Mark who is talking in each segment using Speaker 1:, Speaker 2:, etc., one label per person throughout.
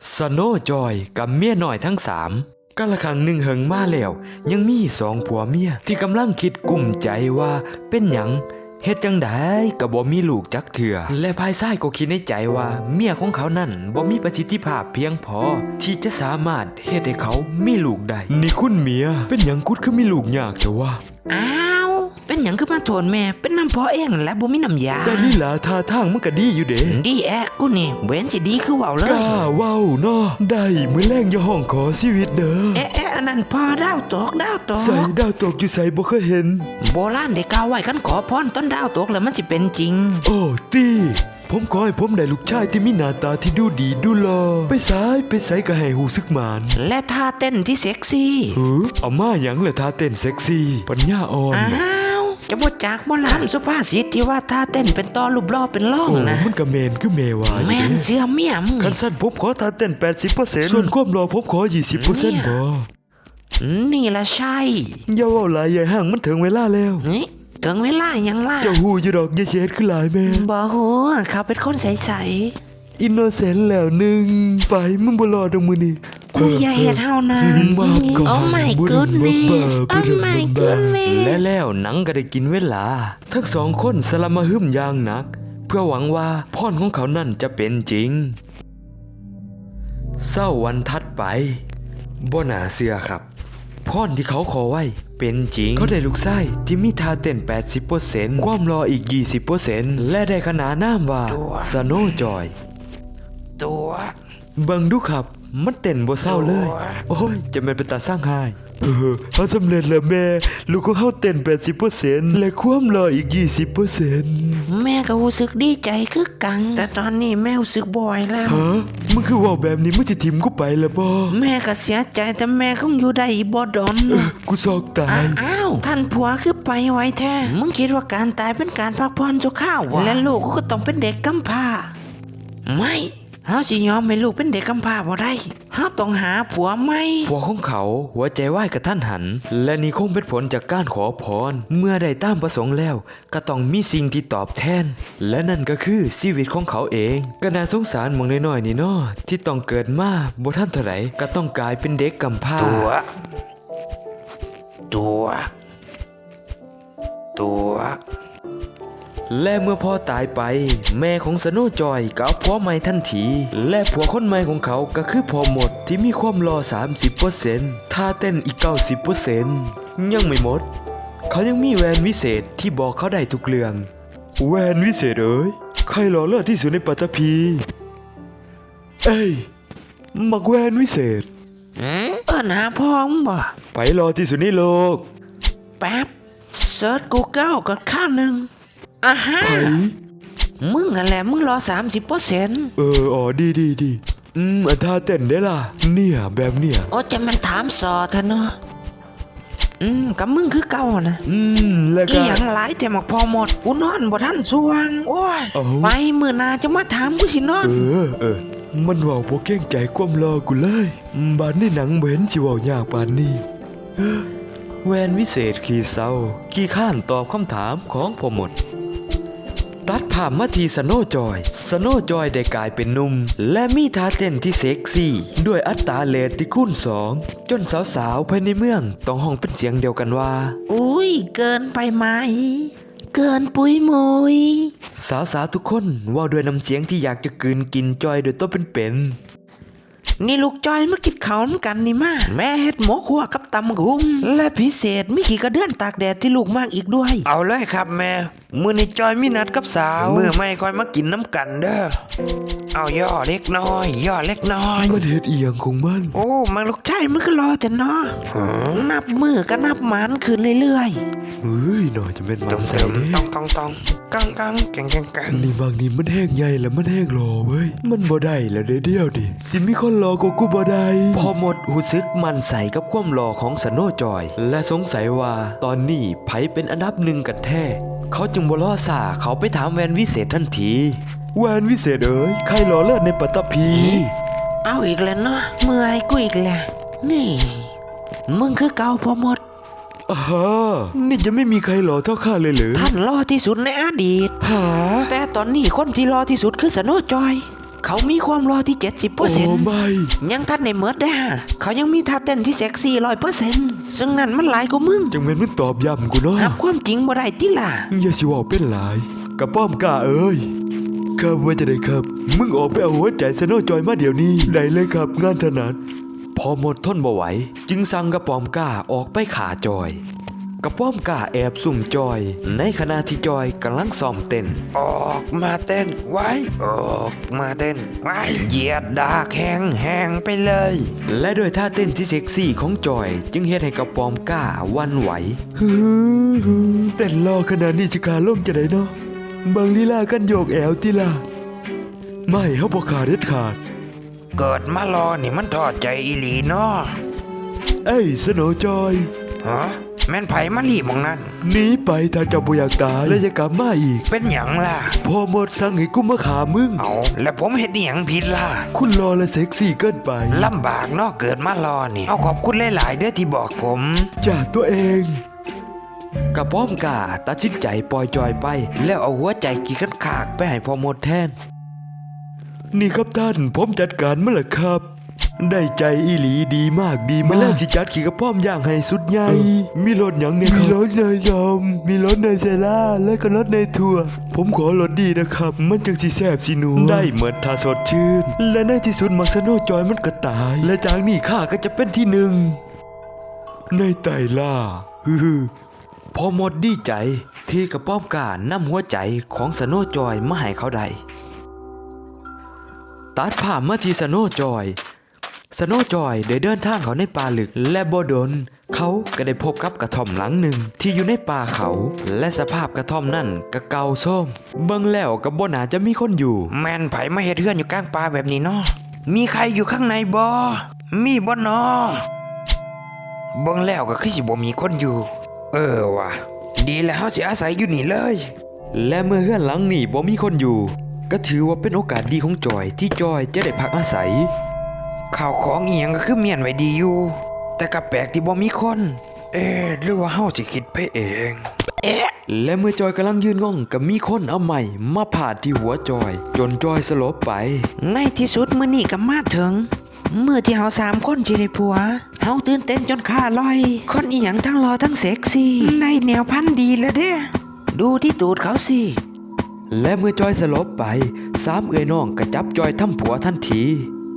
Speaker 1: สโนจอยกับเมียน้อยทั้งสามกาละครั้งหนึ่งเหิงมาแล้วยังมีสองผัวเมียที่กำลังคิดกุ่มใจว่าเป็นหยังเฮ็ดจังไดก็บ่มีลูกจักเถื่อและภายซ้ายก็คิดในใจว่าเมียของเขานั่นบ่มีประสิทธิภาพเพียงพอที่จะสามารถเฮ็ดให้เขามีลูกได้นี่คุณเมียเป็นหยังกุดคือมีลูกยากแต่ว่า
Speaker 2: อ้าวเป็นหยังคือมาโทนแม่เป็นน้ำพอเองและบ่มีน้ำยา
Speaker 1: แต่ลีลาท่าทางมันก็ดีอยู่เด้
Speaker 2: ดีแอะกูนี่เว้นสิดีคือเว้าเลย
Speaker 1: กล้าเว้าเนาะได้มื้อแรงอย่าห้องขอชีวิตเด้อ
Speaker 2: แอะอันนั้นพอดาวตก
Speaker 1: ใส่ดาวตกอยู่ใส่บ่เคยเห็น
Speaker 2: โบราณได้กล่าวไว้คันขอพรต้นดาวตกแล้วมันสิเป็นจริง
Speaker 1: โอ้ตีผมขอให้ผมได้ลูกชายที่มีหน้าตาที่ดูดีดูหล่อไปไสก็ให้หูซึกหมาน
Speaker 2: และท่าเต้นที่เซ็กซี่
Speaker 1: เอามาหยังล่ะท่าเต้นเซ็กซี่ปัญญาอ่อน
Speaker 2: จะบ่จากบ่ล้ำสุภาษิตที่ว่าท่าเต้นเป็นตอรูปล่อเป็นล่องนะ
Speaker 1: มันก็แม่นคือแม่ว่า
Speaker 2: แม่นเชื่อเมียมึง
Speaker 1: คันสั้นผมขอท่าเต้น 80% ส่วนความหล่อผมขอ 20% บ่
Speaker 2: นี่ล่ะใช่
Speaker 1: อย่าเว้าหลายอย่าห่างมันถึงเวลาแล้ว
Speaker 2: ถึงเวลายังล่ะ
Speaker 1: เจ้าฮู้อยู่ดอกอย่าเสียดคือหลายแม่
Speaker 2: บ่ฮู้เขาเป็นคนใส
Speaker 1: ๆอินโนเซนต์แล้วนึงไปมึงบ่รอดอกมื้อนี้
Speaker 2: กูอย่าเฮ็ดเฮานะโอ้ my goodness โอ้ my goodness
Speaker 1: และแล้วหนังก็ได้กินเวลาทั้งสองคนสละมาหึมอย่างหนักเพื่อหวังว่าพรของเขานั่นจะเป็นจริงเศร้าวันถัดไปบ่น่าเชื่อครับพรที่เขาขอไว้เป็นจริงเขาได้ลูกชายที่มีท่าเต้น 80% ความรออีก 20% และได้ขนานนามว่าสโนจอย
Speaker 2: ตัว
Speaker 1: เบิ่งดูครับมันเต้นบ่เศร้าเลยโอ้ยจะแม่นเป็นตาสร้างหายเขาสำเร็จแล้วแม่ลูกของเขาเต้น 80% และความรออีก 20%
Speaker 2: แม่ก็รู้สึกดีใจคือกังแต่ตอนนี้แม่รู้สึกบ่อยแล้ว
Speaker 1: ฮะมึงคือว่าแบบนี้มึงสิทิ่มกูไปแล้วบ่
Speaker 2: แม่ก็เสียใจแต่แม่คงอยู่ได้อีกบ่ดอน
Speaker 1: กูซอกตาย
Speaker 2: อ้าวท่านผัวคือไปไวแท้มึงคิดว่าการตายเป็นการพักผ่อนชั่วคราววะและลูกก็ต้องเป็นเด็กกำพร้าไม่เฮาสิยอมให้ลูกเป็นเด็กกำพร้าบ่ได้เฮาต้องหาผัวใหม่
Speaker 1: ผัวของเขาหัวใจวายกระทันหันและนี่คงเป็นผลจากการขอพรเมื่อได้ตามประสงค์แล้วก็ต้องมีสิ่งที่ตอบแทนและนั่นก็คือชีวิตของเขาเองก็น่าสงสารหม่องน้อยๆนี่เนาะที่ต้องเกิดมาบ่ทันเท่าไหร่ก็ต้องกลายเป็นเด็กกำพร้าตัวและเมื่อพ่อตายไปแม่ของสโนจอยก็เอาผัวใหม่ทันทีและผัวคนใหม่ของเขาก็คือพ่อหมดที่มีความรอ 30% ท่าเต้นอีก 90% ยังไม่หมดเขายังมีแหวนวิเศษที่บอกเขาได้ทุกเรื่องแหวนวิเศษเอ้ยใครหล่อเลิศที่สุดในปัตตภีเอ้ยมักแหวนวิเศษ
Speaker 2: หาพ่อมึงบ่
Speaker 1: ไปรอที่สุดในโลก
Speaker 2: แป๊บเซิร์ช Google ก็ข้าวนึงอาฮะมึงอะไรมึงรอ 30%
Speaker 1: อ๋อดีอันท่าเต้นได้ล่ะเนี่ยแบบเนี่ย
Speaker 2: โอ้จะมันถามสอเถอะเนาะกับมึงคือเก่านะ
Speaker 1: แล้วก็
Speaker 2: อีหยังหลายแต่มักพอหมดกูนอนบ่ทันสว่างโอ้ยไปมื้อหน้าจะมาถามกูสินอน
Speaker 1: มันเว้าบ่เกรงใจความรอกูเลยบาดนี้หนังบ่เห็นสิเว้ายากปานนี้แหวนวิเศษขี้เศร้าขี้ข้านตอบคำถามของพ่อหมดตัดภาพมาที่สโนจอยได้กลายเป็นหนุ่มและมีท่าเต้นที่เซ็กซี่ด้วยอัตราเรทที่คูณ2จนสาวๆภายในเมืองต้องห้องเป็นเสียงเดียวกันว่า
Speaker 2: อุ้ยเกินไปไหมเกินปุ้ยมุย
Speaker 1: สาวๆทุกคนว่าด้วยน้ำเสียงที่อยากจะกลืนกินจอยโดยตัวเป็น
Speaker 2: นี่ลูกจอยมากินข้าวน้ำกันนี่มาแม่เฮ็ดหมูคั่วกับตำกุ้งและพิเศษมีขี้กระเดื่อนตากแดดที่ลูกมากอีกด้วยเอาเลยครับแม่มื้อนี้จอยมีนัดกับสาวมื้อไม่ค่อยมากินน้ำกันเด้อเอาย่อเล็กน้อย
Speaker 1: มันเฮ็ดอีหยังของมัน
Speaker 2: โอ้มาลูกชายมันก็รอจะเนาะนับมือก็นับหมานขึ้นเรื่อย
Speaker 1: ๆเฮ้ยหน่อยจะเป็นมันใส่เด้
Speaker 2: ต้องกังแกง
Speaker 1: นี่บางนี้มันแห้งใหญ่แล้วมันแห้งรอเว้ยมันบ่ได้แล้วเดียวดิสิมีคนรอก็กูบ่ได้พอหมดหูซึกมันใส่กับความรอของสโนจอยและสงสัยว่าตอนนี้ไผเป็นอันดับหนึ่งกันแท้เขาจึงบ่รอซ่าเขาไปถามแหวนวิเศษทันทีแหวนวิเศษเอ๋ยใครหล่อเลิศในปัตตภี
Speaker 2: เอาอีกแล้วเนาะเมื่อยกูอีกแล้วนี่มึงคือเก่าพอหมด
Speaker 1: นี่จะไม่มีใครหล่อเท่าข้าเลยหรือ
Speaker 2: ท่านหล่อที่สุดในอดีต
Speaker 1: หา
Speaker 2: แต่ตอนนี้คนที่หล่อที่สุดคือสโนจอยเขามีความรอที่ 70%
Speaker 1: โอ้ไม่
Speaker 2: ยังทันในเมิดได้ฮะเขายังมีท่าเต้นที่เซ็กซี่ 100%ซึ่งนั่นมันหลายกว่ามึง
Speaker 1: จังแม่นมึงตอบย้ำกูเนาะ
Speaker 2: หับความจริงบ่ได้ติล่ะ
Speaker 1: อย่าสิเว่าเป็นหลายกระป้อมกล้าเอ้ยครับว่าจะได้ครับ มึงออกไปเอาหัวใจสโนว์จอยมาเดี๋ยวนี้ได้เลยครับงานถนัดพอหมดทนบ่ไหวจึงสั่งกระป้อมกล้าออกไปขาจอยกระป้อมกล้าแอบซุ่มจอยในขณะที่จอยกำลังซ้อมเต้น
Speaker 2: ออกมาเต้นไว้ออกมาเต้นไว้เหยียดดากแห้งไปเลย
Speaker 1: และด้วยท่าเต้นที่เซ็กซี่ของจอยจึงเฮ็ดให้กระป้อมกล้าหวันไหวเต้นรอขนาดนี้จะขาล่มจะได้เนาะบางลีลากันโยกแอวติล่ะไม่เฮาบ่ขาดเด็ดขาด
Speaker 2: เกิดมารอนี่มันทอดใจอีหลีเนาะ
Speaker 1: เอ้ยสโนว์จอย
Speaker 2: ฮะแม่นไผมาลีบมองนั้น
Speaker 1: หนีไปถ้าเจ้าบ่อยากตายและอย่ากลับมาอีก
Speaker 2: เป็นหยังล่ะ
Speaker 1: พอหมดสั่งให้กูมาขามึง
Speaker 2: เอาแล้วผมเฮ็ดหยังผิดล่ะ
Speaker 1: คุณรอและเซ็กซี่เกินไป
Speaker 2: ลำบากเนาะเกิดมารอนี่เอาขอบคุณหลายๆเด้อที่บอกผม
Speaker 1: จากตัวเองกระป้อมกาตัดสินใจปล่อยจอยไป
Speaker 2: แล้วเอาหัวใจกี่กันขากไปให้พ่อหมดแทน
Speaker 1: นี่ครับท่านผมจัดการมาแล้วครับ ได้ใจอีหลีดีมากดีมากแล้วสิจัดขี่กระป้อมย่างให้สุดใหญ่มีรถหยังเนี่ยครับมีรถเนยยอมมีรถเนยเซล่าและก็รถเนยถั่วผมขอรถดีนะครับ มันจังสิแซ่บสิหนูได้เหมือนทาสดชื่น และในที่สุดมักสโนจอยมันก็ตาย และจากนี้ข้าก็จะเป็นที่หนึ่งในไต่ล่าพอหมดดีใจที่กระป้อมกานำหัวใจของสโนจอยมาให้เขาได้ตัดภาพมาที่สโนจอยได้เดินทางเขาในป่าลึกและบ่ดนเขาก็ได้พบกับกระท่อมหลังหนึ่งที่อยู่ในป่าเขาและสภาพกระท่อมนั่นก็เก่าโทรมเบิ่งแล้วก็บ่น่าจะมีคนอยู่
Speaker 2: แม่นไผมาเฮ็ดเฮือนอยู่กลางป่าแบบนี้เนาะมีใครอยู่ข้างในบ่มีบ่เนาะเบิ่งแล้วก็คือสิบ่มีคนอยู่ ว่ะดีแล้วเฮาสิอาศัยอยู่นี่เลย
Speaker 1: และเมื่อเฮือนหลังนี้บ่มีคนอยู่ก็ถือว่าเป็นโอกาสดีของจอยที่จอยจะได้พักอาศัย
Speaker 2: ข้าวของอีหยังก็คือเมียนไว้ดีอยู่ แต่ก็แปลกที่บ่มีคน หรือว่าเฮาสิคิดไปเอง
Speaker 1: และเมื่อจอยกำลังยืนงงก็มีคนเอาไม้มาพาดที่หัวจอย จนจอยสลบไป
Speaker 2: ในที่สุดมื้อนี้ก็มาถึงเมื่อที่เฮา3คนสิได้ผัวเฮาตื่นเต้นจนขาลอย คนอีหยังทั้งรอทั้งเซ็กซี่ในแนวพันธุ์ดีแล้วเด้ดูที่ตูดเขาสิ
Speaker 1: และเมื่อจอยสลบไปสามเอ๋ยน้องก็จับจอยทำผัวทันที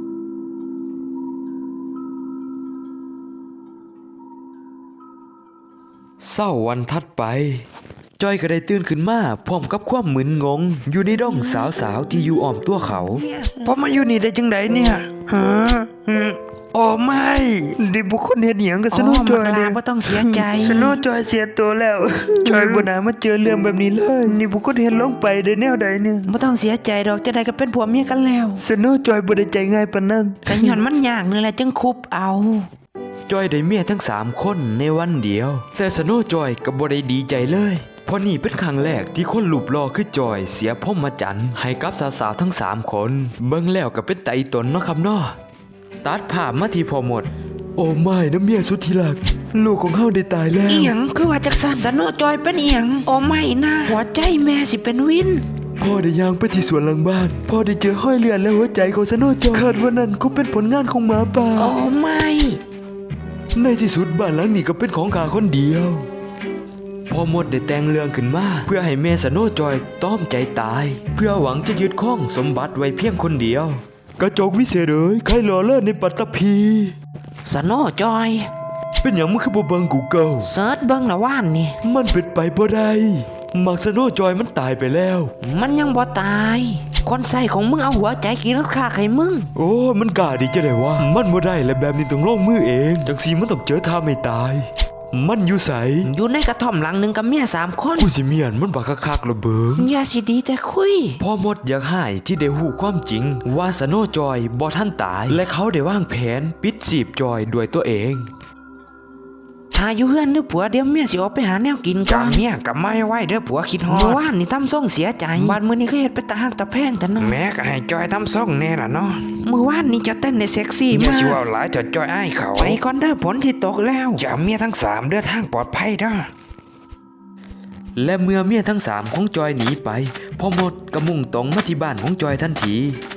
Speaker 1: เศร้าวันถัดไปจอยก็ได้ตื่นขึ้นมาพร้อมกับความมึนงงอยู่ในด้องสาวๆที่อยู่อ้อมตัวเขา
Speaker 2: พอมาอยู่นี่ได้จังไดเนี่ยฮะโอ้ไม่ดิบุคคลเฮ็ดหยังกับสโนว์จอยเลยบ่ต้องเสียใจสโนว์จอยเสียตัวแล้ว จอยบ่น่ามาเจอเรื่องแบบนี้เลยนี่บุคคลเฮ็ดลงไปได้แนวใดเนี่ยบ่ต้องเสียใจดอกจะได้ก็เป็นผัวเมียกันแล้วสโนว์จอยบ่ได้ใจง่ายปานนั้นก็ย้อนมันยากนี่แหละจึงคุบเอา
Speaker 1: จอยได้เมียทั้ง3คนในวันเดียวแต่สโนว์จอยก็บ่ได้ดีใจเลยเพราะนี่เป็นครั้งแรกที่คนรูปหล่อคือจอยเสียพรหมจรรย์ให้กับสาวๆทั้ง3คนเบิ่งแล้วก็เป็นไตตนเนาะครับเนาะตัดภาพมาที่พอหมดโอ้ไม่นะเมียสุดที่รักลูกของเฮาได้ตายแล้ว
Speaker 2: อีหยังคือว่าจักซั่นสโนว์จอยเป็นอีหยังโอ้ไม่นะหัวใจแม่สิเป็นวิน
Speaker 1: พ่อได้ย่างไปที่สวนหลังบ้านพ่อได้เจอห้อยเลือดและหัวใจของสโนว์จอยคาดว่านั่นก็เป็นผลงานของหมาป่า
Speaker 2: โอ้ไม่
Speaker 1: ในที่สุดบ้านหลังนี้ก็เป็นของข้าคนเดียวพอหมดได้แต่งเรื่องขึ้นมาเพื่อให้แม่สโนว์จอยต้อมใจตายเพื่อหวังจะยึดข้องสมบัติไว้เพียงคนเดียวกระจกวิเศษเอ้ยใครหล่อเลิศในปัตตภี
Speaker 2: สโนว์จอย
Speaker 1: เป็นอย่างมึงคือบ่เบิ่งกูเกิล
Speaker 2: เสิร์ชเบิ่งละว่านนี่
Speaker 1: มันเป็นไปบ่ได้มักสโนว์จอยมันตายไปแล้ว
Speaker 2: มันยังบ่ตาย คนใส่ของมึงเอาหัวใจกินราคาให้มึง
Speaker 1: โอ้มันกล้าดีจะได้วะมันบ่ได้และแบบนี้ต้องลงมือเองจังสีมันต้องเจอท่าไม่ตายมันอยู่ไส
Speaker 2: อยู่ในกระท่อมหลังหนึ่งกับเมีย3 คน
Speaker 1: กูสิเมียนมันบักคักๆระเบิง
Speaker 2: อย่าสิดีแต่คุย
Speaker 1: พ่อมดอยากให้ที่ได้หูความจริงว่าสโนว์จอยบ่ทันตายและเขาได้วางแผนปิดจีบจอยด้วยตัวเอง
Speaker 2: ถ้าอยู่เฮือนนึกผัวเดี๋ยวเมียสิออกไปหาแนวกินก่อนเมียก็ไม่ไหวเด้อผัวคิดฮอดเมื่อวานนี่ทำส่งเสียใจบาดมื้อนี้ก็เฮ็ดไปตาหักตาแพงแต่เนาะแม่ก็ให้จอยทำส่งแน่ล่ะเนาะเมื่อวานนี่จะเต้นในเซ็กซี่มากอย่าสิว่าหลายจะจอยอ้ายเขาไปก่อนเด้อฝนสิตกแล้วอย่าเมียทั้ง3เด้อทางปลอดภัยเด้อ
Speaker 1: และเมื่อเมียทั้ง3ของจอยหนีไปพ่อมดก็มุ่งตรงมาที่บ้านของจอยทันที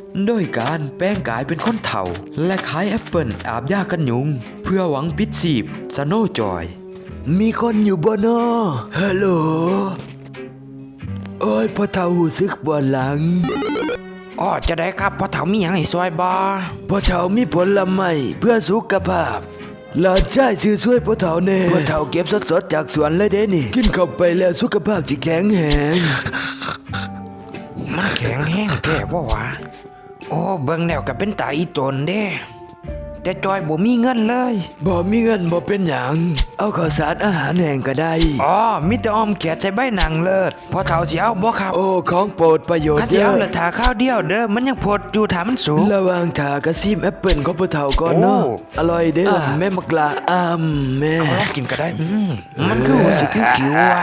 Speaker 1: โดยการแปลงกายเป็นคนเฒ่า และขายแอปเปิลอาบยากันยุง เพื่อหวังปิดชีพสโนว์จอย มีคนอยู่บ่นอฮัลโหลโอ้ยพ่อเฒ่าหูซึกบ่หลัง
Speaker 2: อ๋อจะได้ครับพ่อเฒ่ามีหยังให้ซอยบ่
Speaker 1: พ่อเฒ่ามีผลไม้เพื่อสุขภาพหลานชายชื่อช่วยพ่อเฒ่าแน่พ่อเฒ่าเก็บสดๆจากสวนเลยเด้นี่ กินเข้าไปแล้วสุขภาพสิแข็งแรง
Speaker 2: มันแข็งแห้งแท้บ่วะโอ้เบิ่งแล้วก็เป็นตาอีตนเด้แต่จอยบ่มีเงินเลย
Speaker 1: บ่มีเงินบ่เป็นหยังเอาข้าวสารอาหารแห้งก็ได้
Speaker 2: อ๋อมีแต่อ้อมแขกใส่ใบหนังเลิศพ่อเฒ่าสิเอาบ่ครับ
Speaker 1: โอ้ของโปรดประโยชน์
Speaker 2: ถ้าสิ
Speaker 1: เย
Speaker 2: เอา
Speaker 1: อะ
Speaker 2: ละถาข้าวเดียวเด้อมันยังพดอยู่ถามันสูง
Speaker 1: ระหว่างทากระซิมแอปเปิลของพ่อเฒ่าก่อนเนาะ
Speaker 2: โอ้
Speaker 1: อร่อยเด้ล่ะแม่มักลาแม่
Speaker 2: เอาลองกินก็ได้มันคือรู้สึกขิวๆว่ะ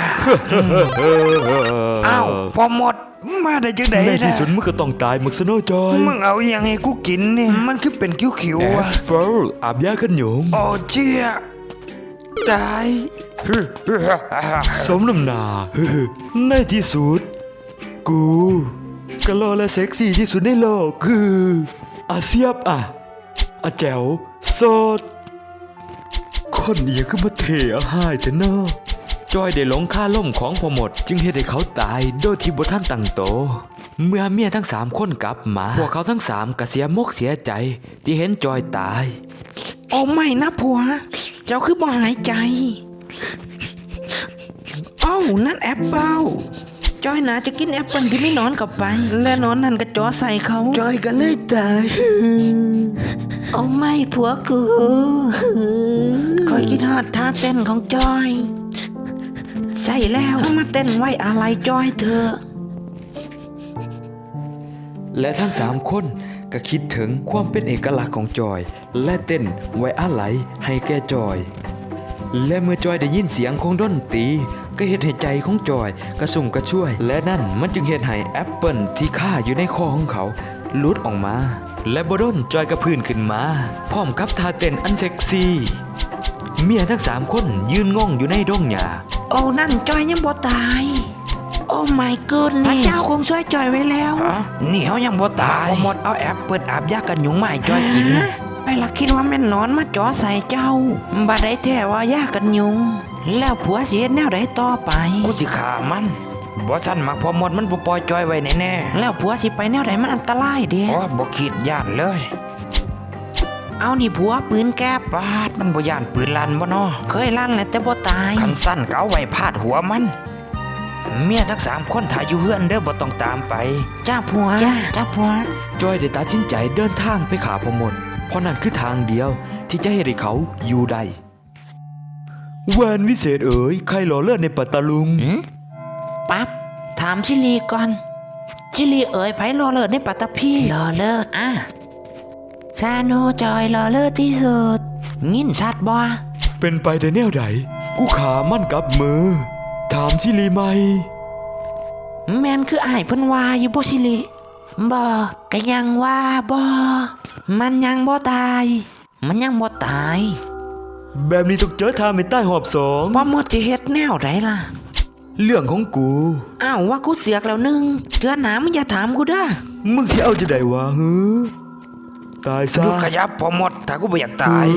Speaker 2: อ้าวพอหมดมาได้จังได๋
Speaker 1: ในที่สุดมึงก็ต้องตายมึกสโนว์จอย
Speaker 2: มึงเอาอหยังให้กูกินนี่มันคือเป็นขิว
Speaker 1: แอ
Speaker 2: ๆว่ะ
Speaker 1: สเปิลอาบยากันยุง
Speaker 2: โอ้เจี๊ยตาย
Speaker 1: สมน้ำหนาในที่สุด กูก็รอและเซ็กซี่ที่สุดในโลกคืออาเซียบอาแจ๋วโสด คนเอียก็มาเทอาหายแต่เนาะจอยได้หลงค่าล่มของพอหมด จึงเฮ็ดให้เขาตายโดยที่บ่ทันตั้งโตวเมื่อเมียทั้ง3คนกลับมา พวกเขาทั้ง3ก็เสียมกเสียใจ ที่เห็นจอยตาย
Speaker 2: โอ้ไม่นะผัว เจ้าคือบ่หายใจเอ้านั่นแอปเปิลจอยน่าจะกินแอปเปิลที่ไม่นอนกลับไป และนอนนั่นก็จ่อใส่เขา
Speaker 1: จอยก็เลยตาย
Speaker 2: โอ้ไม่ผัวกูคอยคิดฮอดท่าเต้นของจอย ใช่แล้วเอามาเต้นไว้อะไรจอยเธอ
Speaker 1: และทั้ง3คนก็คิดถึงความเป็นเอกลักษณ์ของจอย และเต้นไว้อาลัยให้แก่จอย และเมื่อจอยได้ยินเสียงของดนตรีก็เฮ็ดให้ใจของจอยกระสุ่มกระช่วย และนั่นมันจึงเฮ็ดให้แอปเปิลที่คาอยู่ในคอของเขาหลุดออกมา และบ่ดนจอยกระพื้นขึ้นมา พร้อมกับท่าเต้นอันเซ็กซี่เมียทั้ง3คนยืนงงอยู่ในดงหญ้า
Speaker 2: โอ้นั่นจอยยังบ่ตาย โอ้ my goodness พระเจ้าคงช่วยจอยไว้แล้วนี่เขายังบ่ตายหมดเอาแอปเปิดอาบยากันยุงมาให้จอยกินไปละคิดว่าแม่นนอนมาจ่อใส่เจ้าบ่ได้แท้ว่ายากันยุง แล้วผัวสิเฮ็ดแนวใดต่อไปกูสิฆ่ามันบ่ซั่นมักพอหมดมันบ่ปล่อยจอยไว้แน่ๆแล้วผัวสิไปแนวใดมันอันตรายเด้อ๋อบ่คิดย่านเลย เอานี่ผัวปืนแก๊ปปาดมันบ่ย่านปืนลั่นบ่น้อเคยลั่นแหละแต่บ่ตายคันสั้นก็เอาไว้พาดหัวมัน เมียทั้ง3คนถ่ายอยู่เฮือนเด้อบ่ต้องตามไปจ้าผัวจ้าผัว
Speaker 1: จอยได้ตัดสินใจเดินทางไปขาพอหมด เพราะนั่นคือทางเดียวที่จะให้ได้เขาอยู่ได้แวนวิเศษเอ๋ยใครหล่อเลิศในปัตตาลุง
Speaker 2: ปั๊บถามชิลีก่อนชิลีเอ๋ยไผรอเลิศในปัตตภีรอเลิศซาโนจอยรอเลิศที่สุดงิ้นชัดบ่
Speaker 1: เป็นไปได้แนวใดกูขามั่นกับมือ ถามชิลีไหม
Speaker 2: แม่นคืออ้ายเพิ่นว่าอยู่บ่ชิลีบ่ก็ยังว่าบ่มันยังบ่ตาย มันยังบ่ตาย
Speaker 1: แบบนี้ต้องเจอทางไม่ใต้หอบสอง
Speaker 2: บ่หมดสิเฮ็ดแนวใดล่ะ
Speaker 1: เรื่องของกู
Speaker 2: อ้าวว่ากูเสียกแล้วนึงเทื่อหน้ามึงอย่าถามกูเด้อ
Speaker 1: มึงสิเอาจะได้วะฮึตายซะ
Speaker 2: หยุดขยับพอหมดถ้ากูบ่อยากตาย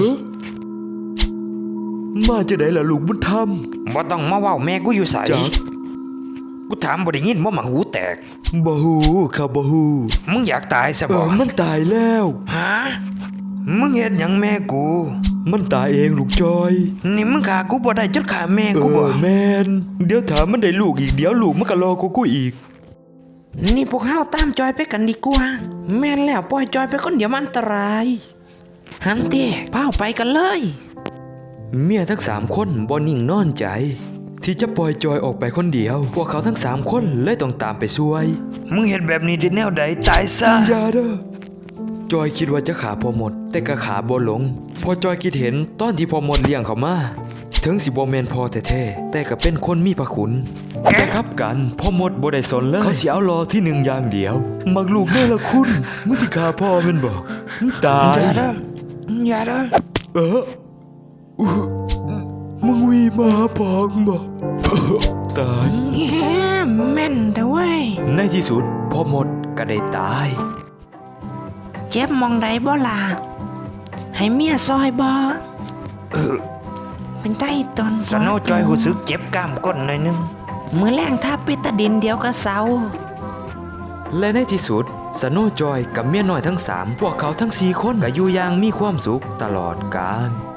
Speaker 1: มาจะได้ล่ะลูกบุญธรรม
Speaker 2: บ่ต้องมาเว้าแม่กูอยู่ไส
Speaker 1: จ๊ะ
Speaker 2: กูถามบ่ได้ยินบ่มาหูแตก
Speaker 1: บ่ฮู้ข้าบ่ฮู้
Speaker 2: มึงอยากตายซะบ่
Speaker 1: มันตายแล้ว
Speaker 2: ฮะมึงเฮ็ดหยังแม่กู
Speaker 1: มันตายเองลูกจอย
Speaker 2: นี่มึงฆ่ากูบ่ได้จนฆ่าแม่กูบ่
Speaker 1: แมนเดี๋ยวถามมันได้ลูกอีกเดี๋ยวลูกมันก็รอกูอีก
Speaker 2: นี่พวกเฮาตามจอยไปกันดีกว่าแม่นแล้วปล่อยจอยไปคนเดียวมันอันตรายหันติพาไปกันเลย
Speaker 1: เมียทั้ง3คนบ่นิ่งนอนใจ ที่จะปล่อยจอยออกไปคนเดียว พวกเขาทั้ง3คนเลยต้องตามไปช่วย
Speaker 2: มึงเฮ็ดแบบนี้ได้แนวใดตายซะ
Speaker 1: อย่าเด้อจอยคิดว่าจะขาพอหมด แต่ก็ขาบ่ลง พอจอยคิดเห็นตอนที่พอหมดเลี้ยงเขามาถึงสิบ่แม่นพอแท้ๆแต่ก็เป็นคนมีพระคุณแต่ครับกันพ่อหมดบ่ได้สนเลยเขาสิเอารอที่1อย่างเดียวมักลูกแม่ละคุณมึงสิฆ่าพ่อแม่นบ่มึงตาย
Speaker 2: อย่าเด้อ
Speaker 1: มึงวีมาหาพ่อมึงบ่ตาย
Speaker 2: แม่นแต่เว้ย
Speaker 1: ในที่สุดพ่อหมดก็ได้ตาย
Speaker 2: เจ็บมองใดบ่ล่ะให้เมียซอยบ่เป็นไต้ตอนสโนจอยหูซึกเจ็บกล้ามก้นหน่อยนึงมือแรงถ้าปิตาดินเดียวก็เศร้า
Speaker 1: และในที่สุดสโนว์จอยกับเมียน้อยทั้ง 3 พวกเขาทั้ง 4 คนก็อยู่อย่างมีความสุขตลอดกาล